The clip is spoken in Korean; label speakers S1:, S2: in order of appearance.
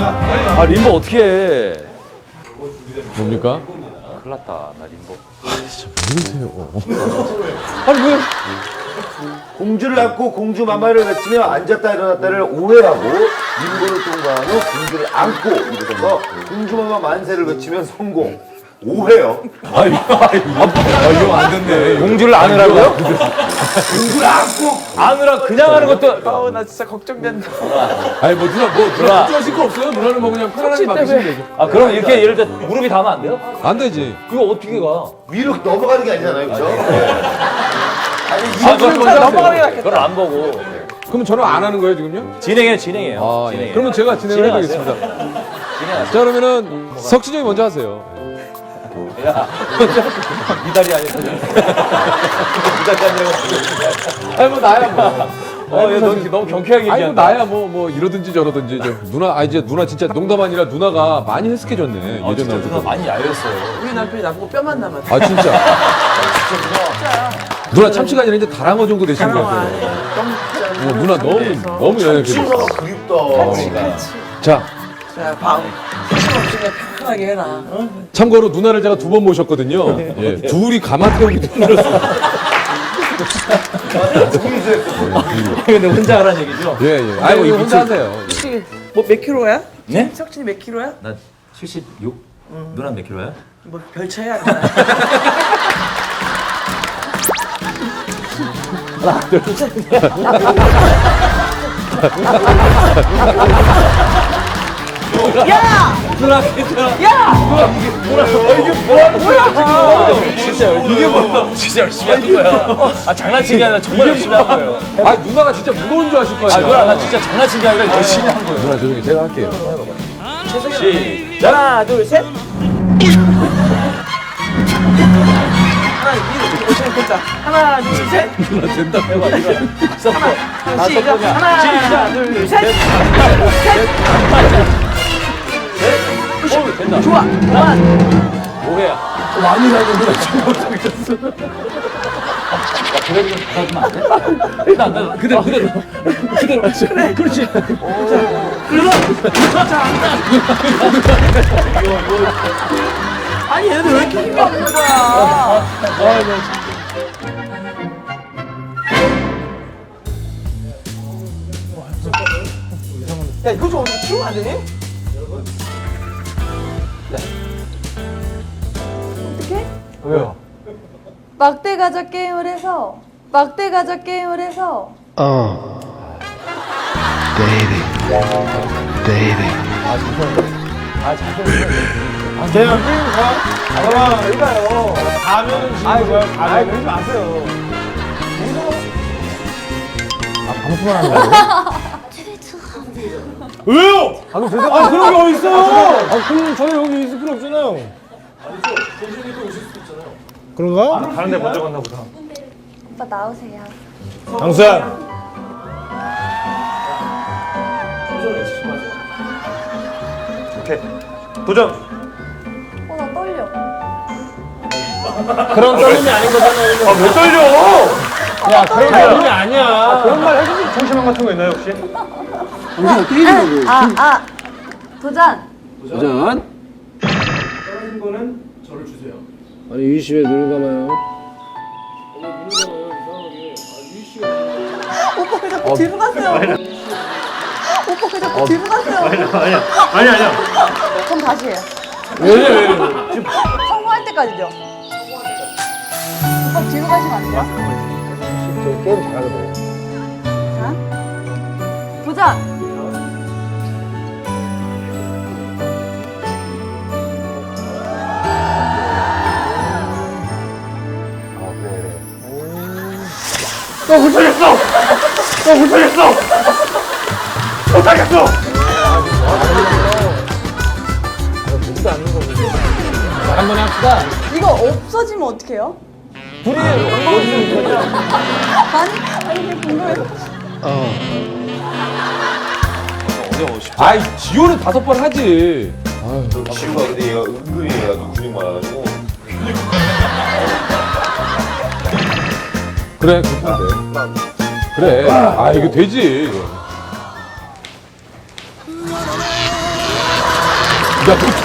S1: 아 림보 어떻게 해?
S2: 뭡니까?
S1: 큰일 났다 나 림보.
S2: 모르세요. 아니 왜?
S3: 공주를 안고 공주 마마를 외치며 앉았다 일어났다를 오해하고 림보를 통과한 후 공주를 안고 일어서서 공주 마마 만세를 외치면 성공. 오해요.
S2: 이거 안 됐네.
S1: 공주를 안으라고요?
S3: 공주를 안고
S1: 안으라 그냥 하는 것도.
S4: 아우 나 진짜 걱정된다.
S2: 아니 뭐 누나 걱정하실 거 없어요? 누나는 뭐 그냥 편안하게 맡기시면 되죠.
S1: 아 그럼 이렇게 예를 들어 무릎이 닿으면 안 돼요?
S2: 안 되지.
S1: 그거 어떻게 가?
S3: 위로 넘어가는 게 아니잖아요, 그렇죠?
S1: 그걸
S4: 넘어가는 게 낫겠다.
S1: 그걸 안 보고
S2: 그럼 저는 안 하는 거예요 지금요?
S1: 진행해요.
S2: 아, 예.
S1: 진행해요.
S2: 그러면 제가 진행을
S1: 진행하세요.
S2: 해드리겠습니다.
S1: 진행하세요.
S2: 자 그러면은 석진이 형이 먼저 하세요.
S1: 야, 미달이 아니야. 미달이 아니라.
S2: 아니 뭐 나야 뭐.
S1: 너무 경쾌하게
S2: 아니 뭐
S1: 얘기한다.
S2: 나야 뭐 이러든지 저러든지 좀 누나 이제 누나 진짜 농담 아니라 누나가 많이 헬스케졌네 예전
S1: 진짜
S2: 나올
S1: 누나
S2: 때.
S1: 많이 야였어요.
S4: 우리 남편이 나보고 뼈만 남았어.
S2: 아 진짜. 누나 참치가 아니라 이제 다랑어 정도 되시는 것 같아요. 누나 너무 연약해졌어.
S3: 그립다.
S2: 자
S4: 자, 방. 힘없이 그냥 편하게 해라. 어?
S2: 참고로 누나를 제가 2번 모셨거든요. 예, 둘이 가마 태우기 힘들었어.
S1: 근데 혼자 하라는 얘기죠?
S2: 예예. 아이고 이거 혼자 하세요.
S4: 혹시 뭐 몇 킬로야?
S1: 네?
S4: 석진이 몇 킬로야?
S1: 나 76? 누나 몇 킬로야?
S4: 뭐 별 차이 안 나. 야!
S1: 누나 괜찮아.
S4: 야!
S1: 진짜 이게 뭐야? 진짜 열심히 한 거야. 아 장난친 게 아니라 정말 열심히 한 거예요.
S2: 아 누나가 진짜 무거운 줄 아실 거
S1: 아
S2: 아니야.
S1: 누나 나 진짜 장난친 게 아니라 열심히 한 거예요.
S2: 누나 조용히 제가 할게요.
S1: 시작.
S4: 하나, 둘, 셋. 하나, 위로 오시면 됐다. 하나, 둘, 셋.
S2: 누나 된다.
S1: 해봐 이거.
S4: 시작. 하나, 둘, 셋.
S1: 오 된다.
S4: 좋아. 그만.
S1: 오해야.
S2: 많이 나는데 지금 못하겠어.
S1: 그래 좀 받아주면 안 돼? 일단 나 그대로. 그래. 그렇지.
S4: 아니 얘들 왜 이렇게 힘이 없는 거야? 야 이거 좀 어떻게 치우면 안 되니?
S5: 어떻게?
S1: 왜요?
S5: 막대 가자 게임을 해서
S6: 왜요? 아, 그런 게 어딨어요? 아, 그럼 저희 여기 있을 필요 없잖아요. 그런가?
S1: 다른 데 먼저 갔나 보다.
S5: 오빠 나오세요.
S6: 강수야.
S1: 오케이. 도전.
S5: 나 떨려.
S1: 그런 떨림이 아닌 거잖아요. 아왜 떨려?
S6: 야, 그런 게 아니야. 그런 말 해주실 정신만 같은 거 있나요, 혹시?
S5: 도전.
S6: 아니, 유희 씨왜 눈을 감아요?
S4: 오빠 왜 자꾸 뒤로 가세요? 오빠 왜 자꾸 뒤로 가세요?
S1: 아니야.
S5: 그럼 다시 해요.
S6: 왜?
S5: 성공할 때까지죠. 오빠 뒤로 가시면 안 돼요?
S6: 저 게임 잘하거든요.
S5: 자, 도전.
S6: 한번 합시다.
S5: 이거 없어지면 어떡해요?
S1: 둘이
S5: 아니 그냥 궁금해서.
S2: 아이 지호는 5번 하지.
S3: 지우가 근데 얘가 은근히 얘가 근육 많아가지고.
S2: 그래 그렇게 하면 돼. 그래. 아 이거 되지.